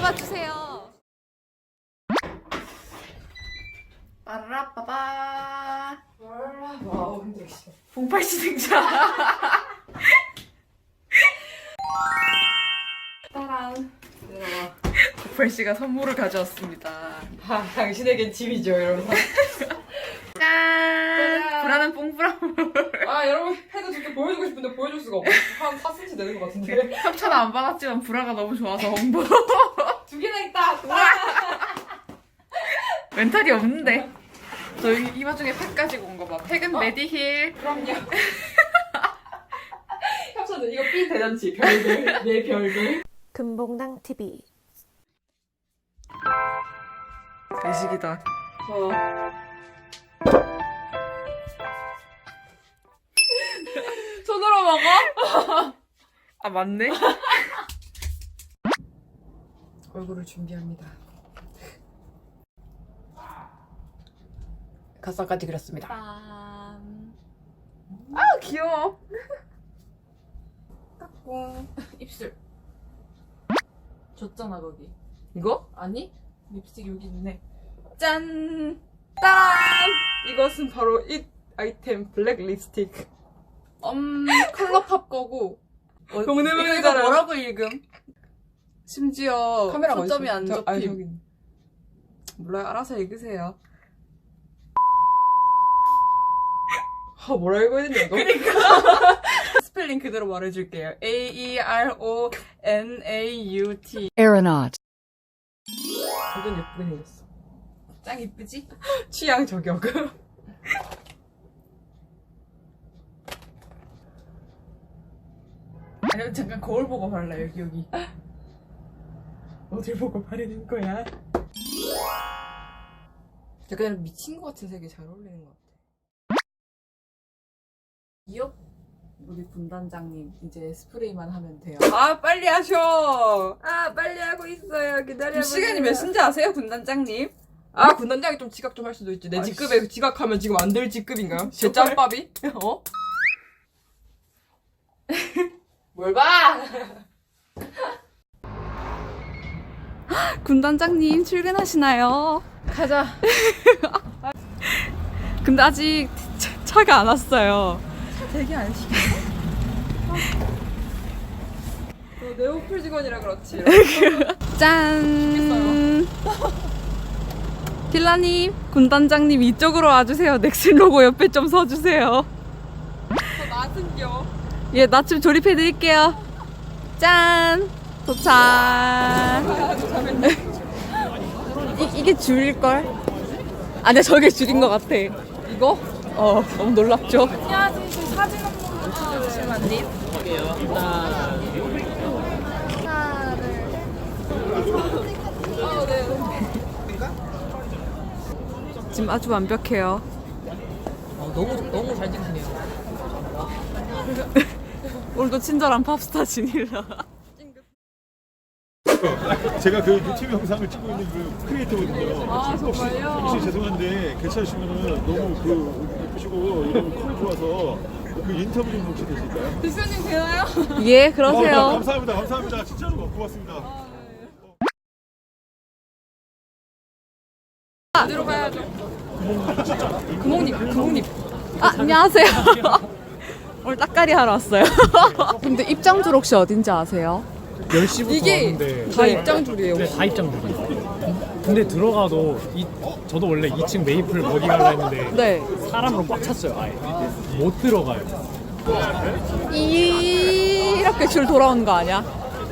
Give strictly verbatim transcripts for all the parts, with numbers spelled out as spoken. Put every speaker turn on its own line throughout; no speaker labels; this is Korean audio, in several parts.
잡아주세요. 빠라빠바.
와우 힘들어.
봉팔씨 등장.
따란. 들어와.
봉팔씨가 선물을 가져왔습니다.
아, 당신에겐 집이죠, 이러면서.
짠! 불안한 뽕뿌라물.
아, 여러분 해도 저렇게 보여주고 싶은데 보여줄 수가 없어. 한 사 센티미터 되는 것 같은데.
협찬 안 받았지만 불화가 너무 좋아서 홍보.
두 개나 있다.
멘탈이 없는데. 저희 이 와중에 팩 가지고 온 거 봐. 팩은
어?
메디힐.
그럼요. 협찬은 이거 삐 대잔치 별들 내 별들.
금봉당 티비.
외식이다.
어. 손으로 먹어?
아 맞네.
얼굴을 준비합니다. 가사까지 그렸습니다.
빰. 아 귀여워.
와 입술. 줬잖아 거기.
이거?
아니? 립스틱 여기 있네. 짠! 따란! 이것은 바로 이 아이템 블랙 립스틱. 음 컬러팝 거고. 어,
동네문이
이거, 이거
잖아요.
뭐라고 읽음?
심지어
카메라가
초점이
어딨어?
안
저- 아니,
접힘.
저기 있네. 몰라요. 알아서 읽으세요. 아, 뭐라 읽어야 되냐, 이거? 그러니까. 스펠링 그대로 말해줄게요. A E R O N A U T.
Aeronaut.
완전 예쁘게 생겼어. 짱 이쁘지? 취향 저격.
아니 잠깐 거울 보고 발라 여기 여기.
어딜 보고 바르는 거야? 약간 미친 것 같은 색이 잘 어울리는 것 같아.
기업 우리 분단장님 이제 스프레이만 하면 돼요.
아, 빨리 하셔! 아, 빨리 하고 있어요. 기다려보세요. 시간이 몇 시인지 아세요, 군단장님? 아, 군단장이 좀 지각 좀 할 수도 있지. 내
아이씨.
직급에 지각하면 지금 안 될 직급인가요? 제 짬밥이? 어? 뭘 봐!
군단장님 출근하시나요?
가자.
근데 아직 차, 차가 안 왔어요.
되게 안 시켜. 너 네오플 직원이라 그렇지.
짠! 킬라님, 군단장님 이쪽으로 와주세요. 넥슨 로고 옆에 좀 서주세요.
더 나은겨.
예, 나 좀 조립해드릴게요. 짠! 도착! 이, 이게 줄일걸? 아, 네, 저게 줄인 것 같아.
이거?
어, 너무 놀랍죠?
안녕하세요. 저 사진 한 번만 찍어주시면 아, 네.
지금 아주 완벽해요.
어, 너무, 너무 잘 찍히네요.
오늘도 친절한 팝스타 진일라.
제가 그 유튜브 영상을 찍고 있는 그 크리에이터거든요.
아,
혹시,
정말요?
혹시 죄송한데 괜찮으시면은 너무 그 예쁘시고 이런 컬 좋아서 그 인터뷰 좀 혹시 되실까요?
대표님 되나요?
예,
어,
그러세요.
감사합니다. 감사합니다. 진짜로 고맙습니다.
어디로 가야죠? 구멍님, 구멍님.
아, 안녕하세요. 오늘 딱가리 하러 왔어요. 근데 입장줄 혹시 어딘지 아세요?
열 시부터
이게
하는데
다 입장줄이에요.
네, 다 입장줄이에요. 근데 들어가도 이, 저도 원래 이 층 메이플 먹이 갈라 했는데
네.
사람으로 꽉 찼어요. 아예 못 들어가요.
이렇게 줄 돌아오는 거 아니야?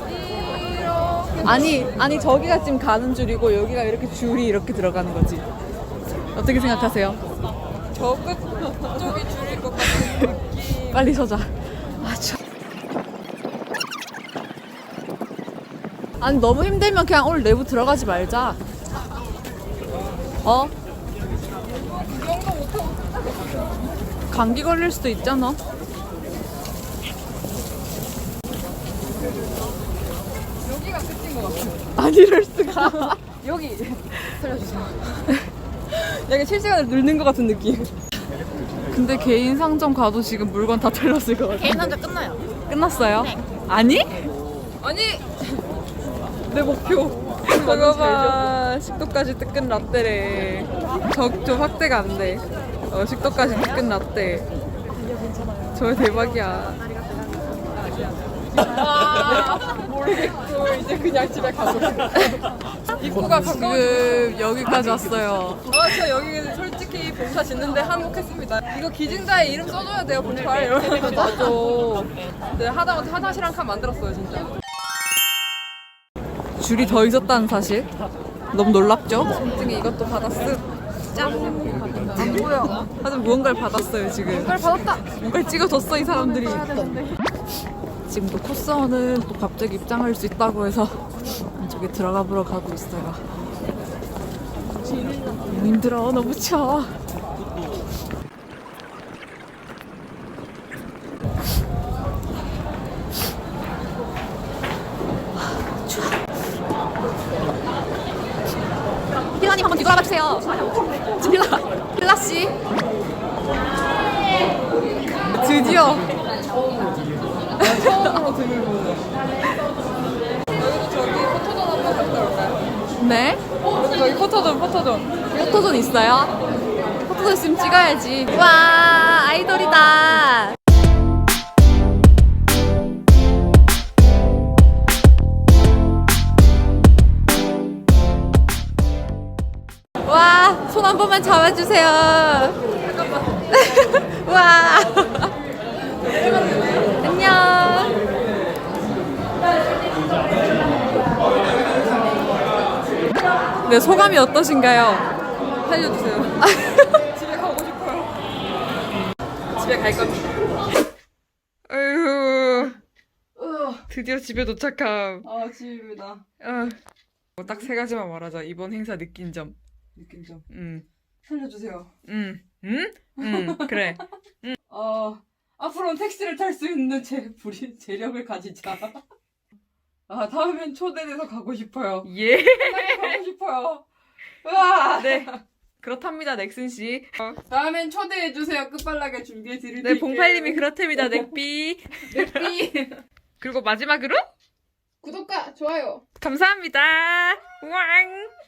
아니, 아니 저기가 지금 가는 줄이고 여기가 이렇게 줄이 이렇게 들어가는 거지. 어떻게 생각하세요?
저 끝 쪽이 줄일 것 같은 느낌.
빨리 서자. 아, 참. 아니 너무 힘들면 그냥 오늘 내부 들어가지 말자. 어? 감기 걸릴 수도 있잖아.
여기가 끝인 것 같아.
안 이럴 수가.
여기 살려주세요. 약간 실시간으로 늙는 것 같은 느낌.
근데 개인 상점 가도 지금 물건 다 털렸을 것 같아.
개인 상점 끝나요.
끝났어요? 아니?
아니 내 목표.
저거 봐. 식도까지 뜨끈 라떼래. 저, 저 확대가 안 돼. 어, 식도까지 뜨끈 라떼. 저 대박이야.
모르겠고 이제 그냥 집에 가고 입구가 가까워.
지금 여기까지 왔어요.
아, 저 여기 솔직히 봉사 짓는데 한몫했습니다. 이거 기증자의 이름 써줘야 돼요, 봉사에. 이러면서
맞아.
네, 하다못해 화장실 한 칸 만들었어요, 진짜.
줄이 더 있었다는 사실. 너무 놀랍죠?
솔직히 이것도 받았음. 짠!
안 보여. 하여튼 무언가를 받았어요, 지금.
이걸 받았다!
뭔가를 찍어줬어, 이 사람들이. 지금 또 코스원은 또 갑자기 입장할 수 있다고 해서 저기 들어가 보러 가고 있어요. 너무 힘들어, 너무 추워. 필라님 한번 뒤돌아봐 주세요. 필라, 필라 씨. 드디어.
처음으로 등을 보는 여기도 저기 포토존 한번 갔다 올까요?
네?
여기 저기 포토존, 포토존.
포토존 있어요? 포토존 있으면 찍어야지. 와, 아이돌이다. 와, 손 한 번만 잡아주세요. 와. 안녕. 네, 소감이 어떠신가요?
살려주세요. 집에 가고 싶어요. 집에 갈 겁니다.
아유, 드디어 집에 도착함.
아, 집이다.
어. 딱 세 가지만 말하자. 이번 행사 느낀 점.
느낀 점.
음,
살려주세요.
음, 음, 음, 그래.
어, 앞으로는 택시를 탈 수 있는 제 부리, 재력을 가지자. 아, 다음엔 초대돼서 가고 싶어요.
예.
가고 싶어요. 으아!
네. 그렇답니다, 넥슨 씨. 어.
다음엔 초대해주세요. 끝발나게 준비해드릴게요.
네, 봉팔님이 그렇답니다, 넥비.
넥비.
그리고 마지막으로
구독과 좋아요.
감사합니다. 왕.